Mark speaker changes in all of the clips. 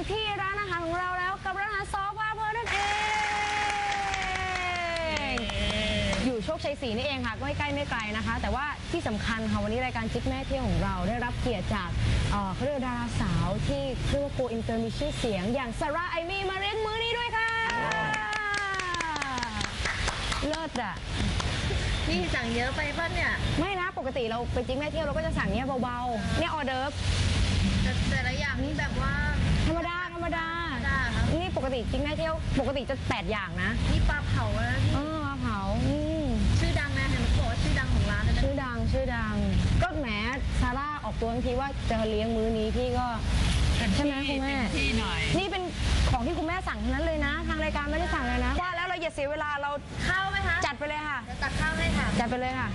Speaker 1: ที่ร้านอาหารของเราแล้วกับร้านอาหารซอพาเพลินนั่นเองอยู่โชคชัย 4นี่เองค่ะก็ไม่ใกล้ไม่ไกลนะคะแต่ว่าที่สำคัญค่ะวันนี้รายการจิ๊บแม่เที่ยวของเราได้รับเกียรติจากเขาเรียกดาราสาวที่เรียกว่าโกอินเตอร์มีชื่อเสียงอย่างซาร่าไอมี่มาเลี้ยงมื้อนี้ด้วยค่ะเลิศอ่ะ
Speaker 2: พี่สั่งเยอะไปป่ะเนี่ย
Speaker 1: ไม่นะปกติเราไปจิ๊บแม่เที่ยวเราก็จะสั่งเนี้ยเบาๆเนี่ยออเดิร์ฟ
Speaker 2: แต่ละอย่างนี่แบบว่า
Speaker 1: ธรรมดานี่ปกติจิ๊บแม่เที่ยวปกติจะ8อย่างนะ
Speaker 2: นี่ปลาเผาแล้วพี่
Speaker 1: ปลาเผา
Speaker 2: ชื่อดังนะเห็นบอกว่าชื่อดังของร้านนะ
Speaker 1: ชื่อดังก็แหมซาร่าออกตัวทันทีว่าจะเลี้ยงมื้อนี้พี่ก็ใช่ไหมคุณแม่นี่เป็นของที่คุณแม่สั่งทั้งนั้นเลยนะทางรายการไม่ได้สั่งเลยนะว่าแล้วเราอย่าเสียเวลาเรา
Speaker 2: ข้าวไหมคะ
Speaker 1: จัดไปเลยค่ะ
Speaker 2: ตักข้าวให้ค่ะ
Speaker 1: จัดไปเลยค่ะ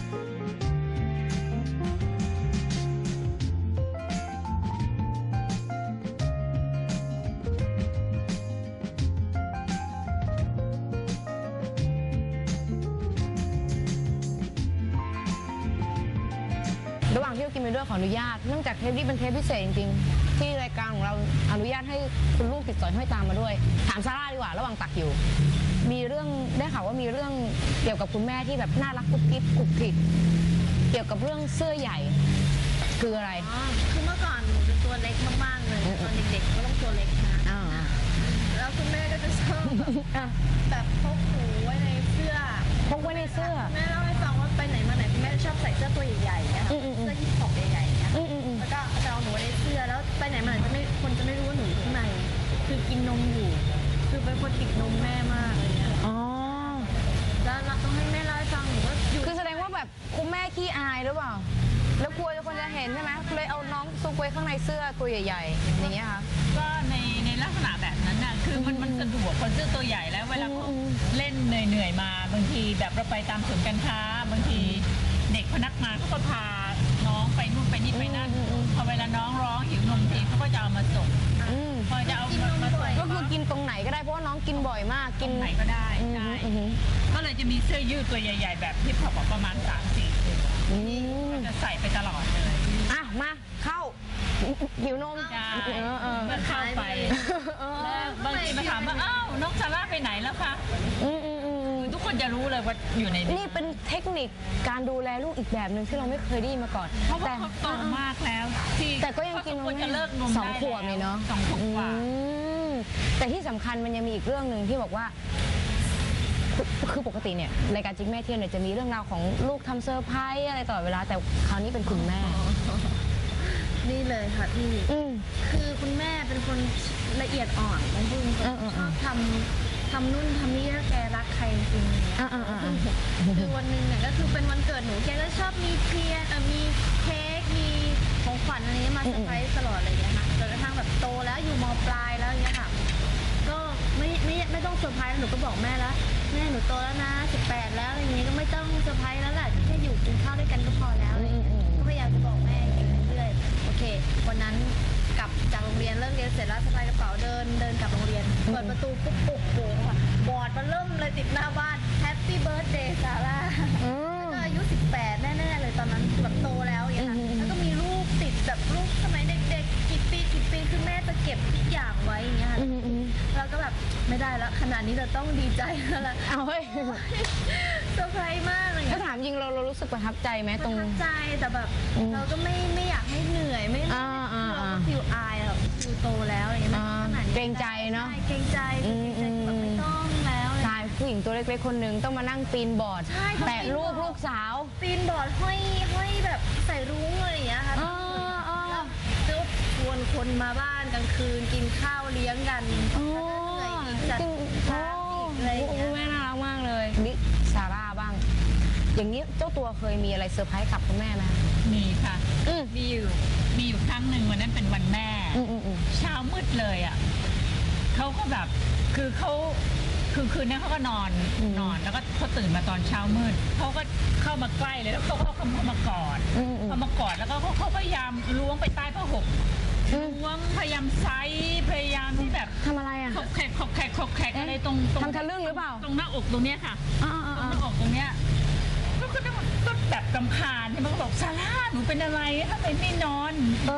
Speaker 1: ระหว่างที่เรากินไปด้วยขออนุญาตเนื่องจากเทปนี้เป็นเทปพิเศษจริงๆที่รายการของเราอนุญาตให้คุณลูกติดสอยห้อยตามมาด้วยถามซาร่าดีกว่าระหว่างตักอยู่มีเรื่องได้ข่าวว่ามีเรื่องเกี่ยวกับคุณแม่ที่แบบน่ารักกุ๊กกิ๊บกุ๊กกิ๊บเกี่ยวกับเรื่องเสื้อใหญ่คืออะไร
Speaker 2: คือเมื่อก่อนหนูจะตัวเล็กมากๆเลยตอนเด็กๆก็ต้องตัวเล็กนะแล้วคุณแม่ก็จะชอบแบบพกหูไว้ในเสื้อแม่เล่าให้ฟังว่าไปไหนมาไหนคุณแม่ชอบใส่เสื้อตัวใหญ่ๆนะคะเสื้อยี่ห้อใหญ่ๆเนี่ยแล้วก็จะเอาหนูในเสื้อแล้วไปไหนมาไหนคนจะไม่รู้ว่าหนูอยู่ข้างในคือกินนมอยู่คือเป็นคนติดนมแม่มากเลยเนี่ยแล้วต้องให้แม่เล่าให้ฟังหนูว่า
Speaker 1: คือแสดงว่าแบบคุณแม่ขี้อายหรือเปล่าแล้วกลัวคนจะเห็นใช่ไหมเลยเอาน้องซุกไว้ข้างในเสื้อตัวใหญ่ๆอย่างเงี้ยค่ะ
Speaker 3: ก็ในลักษณะแบบนั้นน่ะคือมันสะดวกคนเสื้อตัวใหญ่แล้วเวลาเขาเล่นเหนื่อยมาบางทีแบบเราไปตามศูนย์การค้าบางทีเด็กพนักงานเขาก็พาน้องไปนู่นไปนี่ไปนั่นพอเวลาน้องร้องหิวนมทีเขาก็จะเอามาส่งพอจะเอามาส่ง
Speaker 1: ก็คือกินตรงไหนก็ได้เพราะว่าน้องกินบ่อยมาก
Speaker 3: กินไหนก็ได้ใช่ก็เลยจะมีเสื้อยืดตัวใหญ่ๆแบบที่เขาบอกประมาณ3-4 ตัวจะใส่ไปตลอดเลย
Speaker 1: มาเข้าหิวนม
Speaker 3: เมื่อเข้าไปบางทีมาถามว่าอ้าวน้องซาร่าไปไหนแล้วคะทุกคนจะรู้เลยว่าอยู่ใน
Speaker 1: นี่เป็นเทคนิคการดูแลลูกอีกแบบหนึ่งที่เราไม่เคยได้ยินมาก่อน
Speaker 3: เพราะว่าเขาโตมากแล้ว
Speaker 1: แต่ก็ยังกินนม
Speaker 3: จะเลิกนมได้
Speaker 1: 2 ขวบเลยเนาะ
Speaker 3: 2 ขวบกว่า
Speaker 1: แต่ที่สำคัญมันยังมีอีกเรื่องหนึ่งที่บอกว่าคือปกติเนี่ยรายการจิ๊กแม่เที่ยวเนี่ยจะมีเรื่องราวของลูกทำเซอร์ไพรส์อะไรตลอดเวลาแต่คราวนี้เป็นคุณแม่
Speaker 2: นี่เลยค่ะพี่คือคุณแม่เป็นคนละเอียดอ่อนเป็นคนชอบทำนู่นทำนี่ถ้าแกรักใครจริงๆเนี่ยคือวันหนึ่งเนี่ยก็คือเป็นวันเกิดหนูแกก็ชอบมีเทียนมีเค้กมีของขวัญอะไรนี้มาเซอร์ไพรส์ตลอดอะไรอย่างเงี้ยค่ะจนกระทั่งแบบโตแล้วอยู่ม.ปลายแล้วอย่างเงี้ยค่ะก็ไม่ต้องเซอร์ไพรส์หนูก็บอกแม่แล้วแม่หนูโตแล้วนะ18แล้วอะไรอย่างงี้ก็ไม่ต้องเซอร์ไพรส์แล้วแหละแค่อยู่กินข้าวด้วยกันก็พอแล้วก็พยายามจะบอกแม่เรื่อยๆโอเควันนั้นกลับจากโรงเรียนเลิกเรียนเสร็จแล้วสะพายกระเป๋าเดินกลับโรงเรียนเปิดประตูปุ๊บค่ะบอร์ดมันเริ่มเลยติดหน้าบ้าน Happy Birthday ซาร่าแล้วก็อายุ18แน่ๆเลยตอนนั้นแบบโตแล้วอย่างเงี้ยแล้วก็มีรูปติดแบบรูปสมัยเด็กๆกี่ปีคือแม่จะเก็บทุกอย่างไว้อย่างเงี้ยค่ะเราก็แบบไม่ได้แล้วขนาดนี้เราต้องดีใจแล้วล่ะ
Speaker 1: เอาเฮ้ย
Speaker 2: เซอร์ไพรส์มากเลย
Speaker 1: ถ้าถามจริงเรารู้สึกประทับใจไหมตรง
Speaker 2: ประทับใจแต่แบบเราก็ไม่อยากให้เหนื่อยไม่เราก็ฟิลอายแบบฟิลโตแล้วอะไรเงี้ยขนาดนี้
Speaker 1: เกรงใจเนาะ
Speaker 2: เกรงใจแบบไม่ต้องแล้ว
Speaker 1: ใช่ผู้หญิงตัวเล็กๆคนหนึ่งต้องมานั่งปีนบอร์ดแต่ลูกสาว
Speaker 2: ปีนบอร์ดห้อยแบบใส่รุ้งอะไรอย่างเงี้ยค่ะแล้วชวนคนมาบ้านกลางคืนกินข้าวเลี้ยงกันเหนื่อยอีกจัดอะไรอย่างเงี้ย
Speaker 1: แม่น่ารักมากเลยนี่ซาร่าบ้างอย่างนี้เจ้าตัวเคยมีอะไรเซอร์ไพรส์กับคุณแม่ไหม
Speaker 3: มีค่ะมีอยู่ครั้งหนึ่งวันนั้นเป็นวันแม่เช้ามืดเลยอ่ะเขาก็แบบคือคืนนั้นเขาก็นอนแล้วก็เขาตื่นมาตอนเช้ามืดเขาก็เข้ามาใกล้เลยแล้วเขาเข้ามากอดแล้วก็เขาพยายามล้วงไปใต้ผ้าห่มล้วงพยายามไซพยายามที่แบบ
Speaker 1: ทำอะไรอ่ะ
Speaker 3: ขบแขกอะไรตรง
Speaker 1: ทำทะลึ่งหรือเปล่า
Speaker 3: ตรงหน้าอกตรงเนี้ยค่ะตรงหน้าอกตรงเนี้ยก็แบบกำพานที่มันก็บอกซาร่าหนูเป็นอะไรทำไมไม่นอนแบบ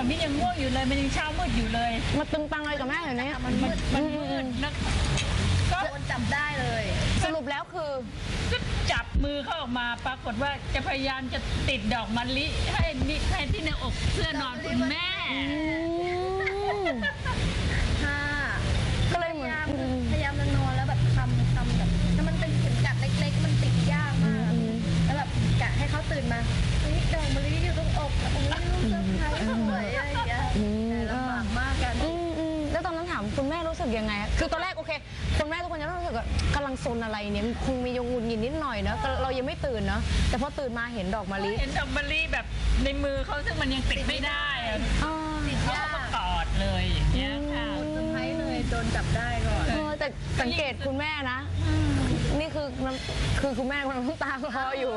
Speaker 3: มิยังง่วงอยู่เลยมันยังเช้ามืดอยู่เลย
Speaker 1: มาตึงตังอะไรกับแม่อยู่เนี่ย
Speaker 3: มันมืดแล้วก็
Speaker 2: โดนจับได้เลย
Speaker 1: สรุปแล้วคือ
Speaker 3: ก็จับมือเขาออกมาปรากฏว่าจะพยายามจะติดดอกมะลิให้ที่ในอกเสื้อนอนคุณแม่
Speaker 2: ค่ะ
Speaker 1: ก็เลยเหมือน
Speaker 2: พยายามจะนอนแล้วแบบทำแบบถ้ามันเป็นเข็มกัดเล็กๆมันติดยากมากแล้วแบบกะให้เขาตื่นมาเฮ้ยดอกมะลิอยู่ตรงอกโอ้ยลูกเซอร์ไพรส์สวยอะไรอย่างเงี้ยแต่ลำบากมากกัน
Speaker 1: แล้วตอนนั้นถามคุณแม่รู้สึกยังไงอะคือตอนแรกโอเคคุณแม่ทุกคนจะรู้สึกว่ากำลังซนอะไรเนี่ยคงมียงุนยินนิดหน่อยเนอะเรายังไม่ตื่นเนอะแต่พอตื่นมาเห็นดอกมะลิ
Speaker 3: เห็นดอกมะลิแบบในมือเขาซึ่งมันยังติดไม่ได้อะ
Speaker 2: ติด
Speaker 3: เขา
Speaker 2: ยา
Speaker 3: ก็
Speaker 2: ก
Speaker 3: กอดเลยอย่างเงี้ยค่ะ
Speaker 2: เซอร์ไพรส์เลยโดนจับได้ก่อน
Speaker 1: แต่สังเกตคุณแม่นะ นี่คือคุณแม่กำลังน้ำตาคลออยู่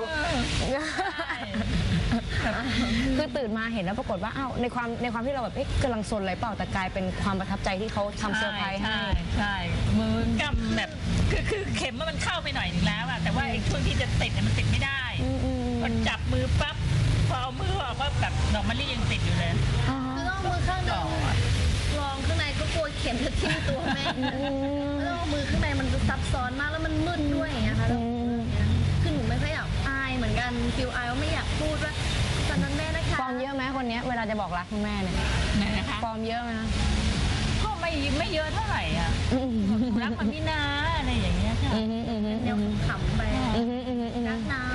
Speaker 1: คือตื่นมาเห็นแล้วปรากฏว่าอ้าวในความที่เราแบบกำลังซนอะไรเปล่าแต่กลายเป็นความประทับใจที่เขาทำเซอร์ไพรส์ให้
Speaker 3: ใช่มือกำแบบคือเข็มมันเข้าไปหน่อยนึงแล้วอะแต่ว่าไอ้ช่วงที่จะติดเนี่ยมันติดไม่ได้พอจับมือปั๊บพอเอามือออกก็แบบดอกมะลิยังติดอยู่เลย
Speaker 2: คือต้องเอามือข้างหนึงลองข้างในก็กลัวเข็มจะทิ่มตัวแม่แล้วเอามือข้างในมันจะซับซ้อนมากแล้วมันมืดด้วยอย่างเงี้ยค่ะแล้วคือหนูไม่ค่อยอยากอายเหมือนกันฟิลอายว่าไม่อยากพูดว่าตอนนั้นแม่นะคะ
Speaker 1: ฟอร์มเยอะไหมคนเนี้ยเวลาจะบอกรักคุณแม่เนี่ย
Speaker 3: นะคะ
Speaker 1: ฟอร์มเยอะไหมนะ
Speaker 3: ก็ไม่เยอะเท่าไหร่อ่ะรักมันนี่นะอะไรอย่างเงี้ยค่ะ
Speaker 2: แนวขำๆไปรักนะ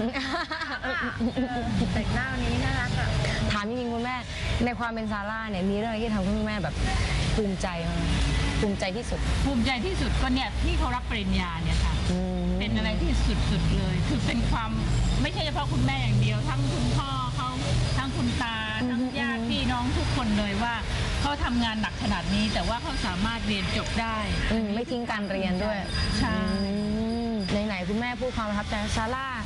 Speaker 2: แต่งหน้าวันนี้น่ารักอ่ะ
Speaker 1: ถามจริงๆคุณแม่ในความเป็นซาร่าเนี่ยมีเรื่องอะไรที่ทำให้คุณแม่แบบภูมิใจมั้ยภูมิใจที่สุด
Speaker 3: ภูมิใจที่สุดก็เนี่ยที่เขารับปริญญาเนี่ยค่ะเป็นอะไรที่สุดๆเลยคือเป็นความไม่ใช่เฉพาะคุณแม่อย่างเดียวทั้งคุณพ่อเขาทั้งคุณตาทั้งญาติพี่น้องทุกคนเลยว่าเขาทำงานหนักขนาดนี้แต่ว่าเขาสามารถเรียนจบได้
Speaker 1: ไม่ทิ้งการเรียนด้วย
Speaker 3: ใช่
Speaker 1: ไหนๆคุณแม่พูดความประทับใจซาร่า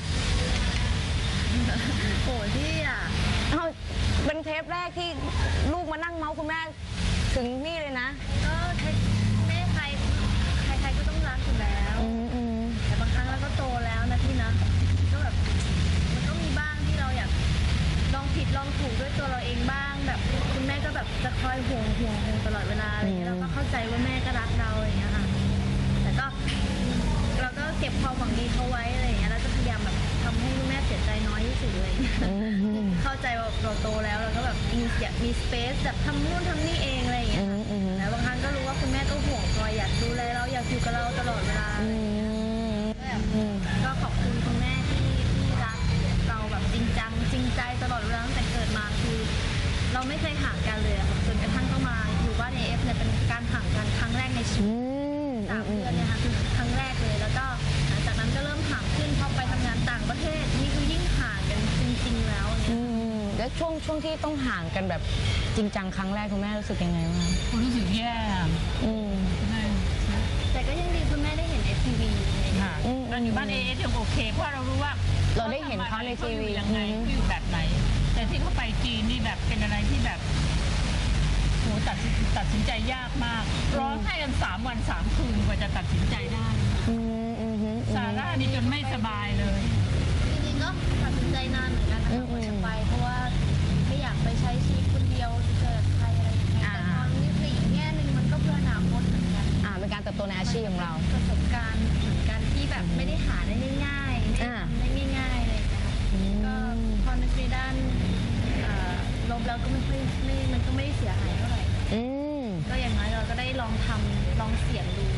Speaker 2: โอ้ที่อ่ะ
Speaker 1: เอาเป็นเทปแรกที่ลูกมานั่งเมาส์คุณแม่ถึงนี่เลยนะ
Speaker 2: ก็แม่ใครก็ต้องรักอยู่แล้ว แต่บางครั้งเราก็โตแล้วนะพี่นะก็แบบมันก็มีบ้างที่เราอยากลองผิดลองถูกด้วยตัวเราเองบ้างแบบคุณแม่ก็แบบจะคอยห่วงตลอดเวลาอะไรเงี้ยเราก็เข้าใจว่าแม่ก็รักเราอย่างเงี้ยค่ะแต่ก็เราก็เก็บความหวังดีเขาไว้อะไรอย่างเงี้ยแล้วจะพยายามแบบทำให้คุณแม่เสียใจน้อยที่สุดเลยเข้าใจว่าเราโตแล้วเราก็แบบมีสเปซแบบทำนู่นทำนี่เองอะไรอย่างเงี้ยแล้วบางครั้งก็รู้ว่าคุณแม่ก็ห่วงคอยอยากดูแลเราอยากอยู่กับเราตลอดเวลาก็ขอบคุณคุณแม่ที่รักเราแบบจริงจังจริงใจตลอดเวลาตั้งแต่เกิดมาคือเราไม่เคยห่างกันเลยค่ะจนกระทั่งต้องมาอยู่บ้าน AF เนี่ยเป็นการห่างกันครั้งแรกในชีวิต3 เดือนเนี่ยค่ะคือครั้งแรกเลยแล้วก็หลังจากนั้นก็เริ่มห่างขึ้นพอไปทำงานต่างประเทศนี่คือยิ่งห่างกันจริงๆแล้วเนี่ย
Speaker 1: แล้วช่วงที่ต้องห่างกันแบบจริงจังครั้งแรกคุณแม่รู้สึกยังไงบ้าง
Speaker 3: รู้สึกแย่
Speaker 2: แต่ก็ยังดีคุณแม่ได้เห็น FTV
Speaker 3: ค่ะตอนอยู่บ้านยังโอเคเพราะเรารู้ว่า
Speaker 1: เราได้เห็นเขาในทีวี
Speaker 3: ยังไงอยู่แบบไหน แต่ที่เขาไปจีนนี่แบบเป็นอะไรที่แบบโหตัดสินใจยากมากร้องไห้กัน3 วัน 3 คืนกว่าจะตัดสินใจได้ซาร่านี่จนไม่สบายเลย
Speaker 2: จริงๆก็ตัดสินใจนานเหมือนกันนะคะกว่าจะไปเพราะว่าไม่อยากไปใช้ชีวิตคนเดียวจะเจอใครอะไรอย่างเงี้ยแต่ตอนนี้คืออีกแง่หนึ่งมันก็เพื่ออนาคตเหมือนกัน
Speaker 1: เป็นการเติบโตในอาชีพของเรา
Speaker 2: ประสบการณ์เหมือนกันที่แบบไม่ได้หาได้ง่ายๆไม่ได้ทำได้ง่ายๆเลยนะคะก็พอในด้านลบแล้วก็มันก็ไม่ได้เสียหายเท่าไหร่ก็อย่างน้อยเราก็ได้ลองทำลองเสี่ยงดู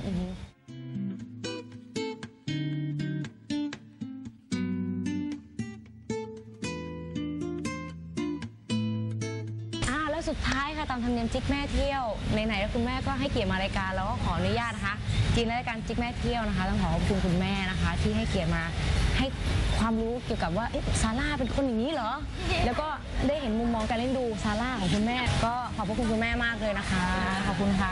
Speaker 1: แล้วสุดท้ายค่ะตามธรรมเนียมจิ๊กแม่เที่ยวไหนๆแล้วคุณแม่ก็ให้เกียรติมารายการแล้วก็ขออนุญาตนะคะจริงๆรายการจิ๊กแม่เที่ยวนะคะต้องขอขอบคุณคุณแม่นะคะที่ให้เกียรติมาให้ความรู้เกี่ยวกับว่าซาร่าเป็นคนอย่างนี้เหรอแล้วก็ได้เห็นมุมมองการเล่นดูซาร่าของคุณแม่ก็ขอบพระคุณคุณแม่มากเลยนะคะขอบคุณค่ะ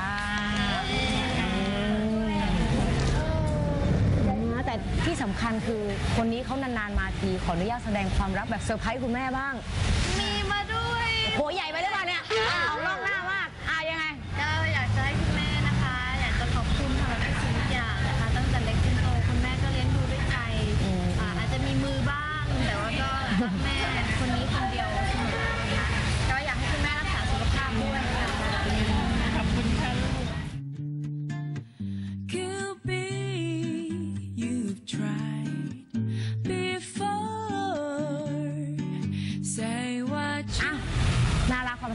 Speaker 1: แต่ที่สำคัญคือคนนี้เขานานๆมาทีขออนุญาตแสดงความรักแบบเซอร์ไพรส์คุณแม่บ้าง
Speaker 2: มีมาด้วย
Speaker 1: โหใหญ่ไปหรือเปล่าเนี่ยเอานอกหน้ามากยังไง
Speaker 2: ก็อยากจะให้คุณแม่นะคะอยากจะขอบคุณสำหรับทุกสิ่งทุกอย่างนะคะตั้งแต่เล็กจนโตคุณแม่ก็เลี้ยงดูด้วยใจอาจจะมีมือบ้างแต่ว่าก็รักแม่คนนี้คนเดียวเสมอนะคะก็อยากให้คุณ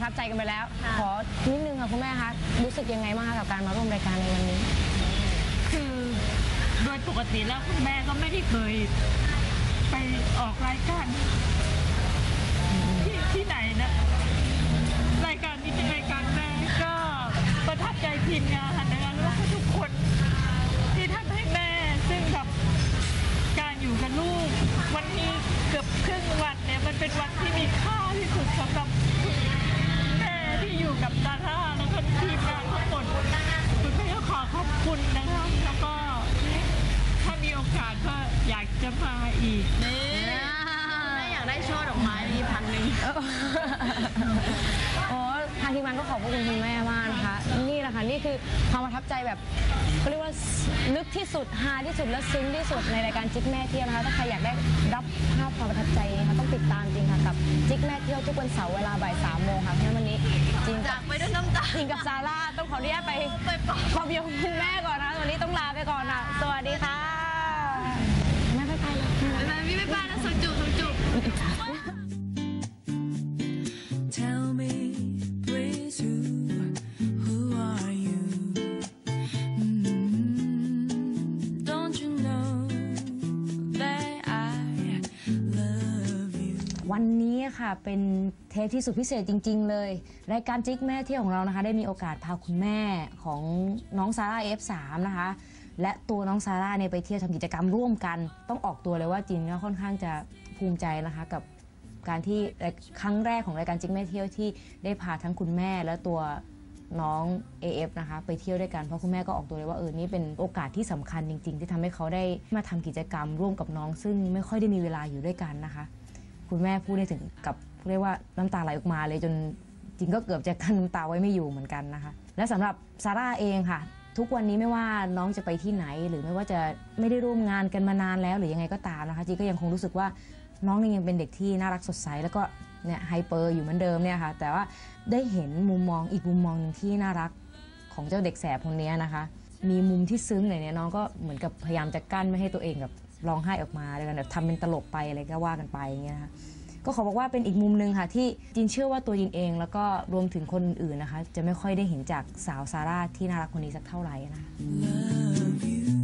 Speaker 1: ประทับใจกันไปแล้ว ขอนิดนึงค่ะคุณแม่คะรู้สึกยังไงบ้างคะกับการมาร่วมรายการในวันนี้
Speaker 3: คือโดยปกติแล้วคุณแม่ก็ไม่ได้เคยไปออกรายการที่ไหนนะรายการนี้เป็นรายการแม่ก็ประทับใจทีมงานนะคะแล้วก็ทุกคนที่ทำให้แม่ซึ่งแบบการอยู่กับลูกวันนี้เกือบครึ่งวันเนี่ยมันเป็นวันที่มีค่าที่สุดสำหรับแม่ที่อยู่กับซาร่าแล้วก็ทีมงานทั้งหมดคุณแม่ก็ขอขอบคุณนะคะแล้วก็ถ้ามีโอกาสก็อยากจะมาอีก
Speaker 2: แม่อยากได้ช่อดอกไม้มี1,000
Speaker 1: โอ้ทางทีมงานก็ขอบคุณคุณแม่มากนะคะนี่แหละค่ะนี่คือความประทับใจแบบก็เรียกว่าลึกที่สุดฮาที่สุดและซึ้งที่สุดในรายการจิ๊กแม่เที่ยวนะคะถ้าใครอยากได้รับภาพความประทับใจนะคะต้องติดตามจริงค่ะกับจิ๊กแม่เที่ยวทุกวันเสาร์เวลาบ่าย 3 โมงค่ะเพราะวันนี้จริง
Speaker 2: จากไปด้วยน้ำตา
Speaker 1: จริงกับซาร่าต้องขออนุญาตไปขอบคุณคุณแม่ก่อนนะวันนี้ต้องลาไปก่อนนะสวัสดีค่ะแม่ไปเลย
Speaker 2: แม่พี่ไปนะสุจุสุจุ
Speaker 4: Tell me please who are you Don't you know that I love you
Speaker 1: วันนี้ค่ะเป็นเทปที่สุดพิเศษจริงๆเลยรายการจิ๊กแม่เที่ยวของเรานะคะได้มีโอกาสพาคุณแม่ของน้องซาร่า F3 นะคะและตัวน้องซาร่าเนี่ยไปเที่ยวทำกิจกรรมร่วมกันต้องออกตัวเลยว่าจินก็ค่อนข้างจะภูมิใจนะคะกับการที่ครั้งแรกของรายการจิ๊กแม่เที่ยวที่ได้พาทั้งคุณแม่และตัวน้อง AF นะคะไปเที่ยวด้วยกันเพราะคุณแม่ก็ออกตัวเลยว่านี่เป็นโอกาสที่สำคัญจริงๆที่ทำให้เขาได้มาทำกิจกรรมร่วมกับน้องซึ่งไม่ค่อยได้มีเวลาอยู่ด้วยกันนะคะคุณแม่พูดได้ถึงกับเรียกว่าน้ำตาไหลออกมาเลยจนจริงก็เกือบจะกั้นน้ำตาไว้ไม่อยู่เหมือนกันนะคะและสำหรับซาร่าเองค่ะทุกวันนี้ไม่ว่าน้องจะไปที่ไหนหรือไม่ว่าจะไม่ได้ร่วมงานกันมานานแล้วหรือยังไงก็ตามนะคะจีก็ยังคงรู้สึกว่าน้องนี่ยังเป็นเด็กที่น่ารักสดใสแล้วก็เนี่ยไฮเปอร์อยู่เหมือนเดิมเนี่ยค่ะแต่ว่าได้เห็นมุมมองอีกมุมมองนึงที่น่ารักของเจ้าเด็กแสบคนนี้นะคะมีมุมที่ซึ้งเนี่ยน้องก็เหมือนกับพยายามจะกั้นไม่ให้ตัวเองแบบร้องไห้ออกมาเลยกันแบบทำเป็นตลกไปอะไรก็ว่ากันไปอย่างเงี้ยค่ะก็ขอบอกว่าเป็นอีกมุมนึงค่ะที่จินเชื่อว่าตัวจินเองแล้วก็รวมถึงคนอื่นนะคะจะไม่ค่อยได้เห็นจากสาวซาร่าที่น่ารักคนนี้สักเท่าไหร่นะคะ